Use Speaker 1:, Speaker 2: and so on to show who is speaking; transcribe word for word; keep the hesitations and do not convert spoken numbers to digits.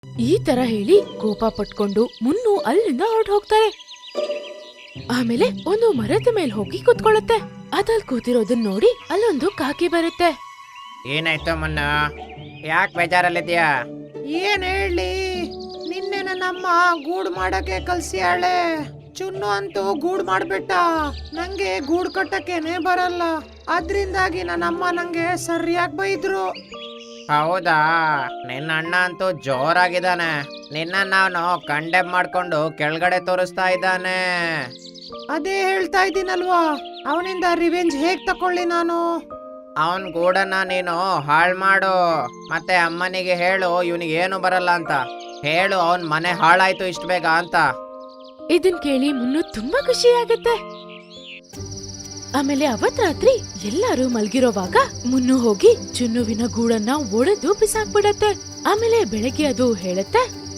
Speaker 1: ಈ ತರ ಹೇಳಿ ಕೋಪ ಪಟ್ಕೊಂಡು ಮುನ್ನು ಅಲ್ಲಿಂದ ಹೊರಟು ಹೋಗ್ತಾರೆ. ಆಮೇಲೆ ಒಂದು ಮರದ ಮೇಲೆ ಹೋಗಿ ಕುತ್ಕೊಳ್ಳುತ್ತೆ. ಅದಲ್ಲಿ ಕೂತಿರೋದನ್ನ ನೋಡಿ ಅಲ್ಲೊಂದು ಕಾಕಿ ಬರುತ್ತೆ.
Speaker 2: ಏನಾಯ್ತು ಮುನ್ನ, ಯಾಕೆ ಬೇಜಾರಲ್ಲಿದ್ಯಾ? ಏನ್ ಹೇಳಿ, ನಿನ್ನೆ ನನ್ನಮ್ಮ ಗೂಡು ಮಾಡಕ್ಕೆ ಕಲ್ಸಿಯಾಳೆ. ಚುನ್ನು ಅಂತೂ ಗೂಡು ಮಾಡ್ಬಿಟ್ಟ. ನಂಗೆ ಗೂಡು ಕಟ್ಟಕ್ಕೇನೆ ಬರಲ್ಲ. ಅದ್ರಿಂದಾಗಿ ನನ್ನಮ್ಮ ನಂಗೆ ಸರಿಯಾಗಿ ಬೈದ್ರು. ಹೌದಾ, ನಿನ್ನ ಅಣ್ಣ ಅಂತೂ ಜೋರಾಗಿದ್ದಾನೆ. ನಿನ್ನ ನಾನು ಕಂಡೆಮ್ ಮಾಡ್ಕೊಂಡು ಕೆಳಗಡೆ ತೋರಿಸ್ತಾ ಇದ್ದಾನೆ. ಅದೇ ಹೇಳ್ತಾ ಇದ್ದೀನಲ್ವಾ, ಅವನಿಂದ ರಿವೆಂಜ್ ಹೇಗ್ ತಕೊಳ್ಳಿ ನಾನು? ಅವನ್ ಗೂಡನ್ನ ನೀನು ಹಾಳ್ ಮಾಡು. ಮತ್ತೆ ಅಮ್ಮನಿಗೆ ಹೇಳು ಇವನಿಗೆ ಏನು ಬರಲ್ಲ ಅಂತ ಹೇಳು. ಅವನ್ ಮನೆ ಹಾಳಾಯ್ತು ಇಷ್ಟ ಬೇಗ ಅಂತ.
Speaker 1: ಇದನ್ ಕೇಳಿ ಮುನ್ನು ತುಂಬಾ ಖುಷಿ ಆಗುತ್ತೆ. ಆಮೇಲೆ ಅವತ್ ರಾತ್ರಿ ಎಲ್ಲಾರು ಮಲ್ಗಿರೋವಾಗ ಮುನ್ನು ಹೋಗಿ ಚುನ್ನುವಿನ ಗೂಡನ್ನ ಒಡೆದು ಬಿಸಾಕ್ಬಿಡತ್ತೆ. ಆಮೇಲೆ ಬೆಳಗ್ಗೆ ಅದು ಹೇಳುತ್ತೆ,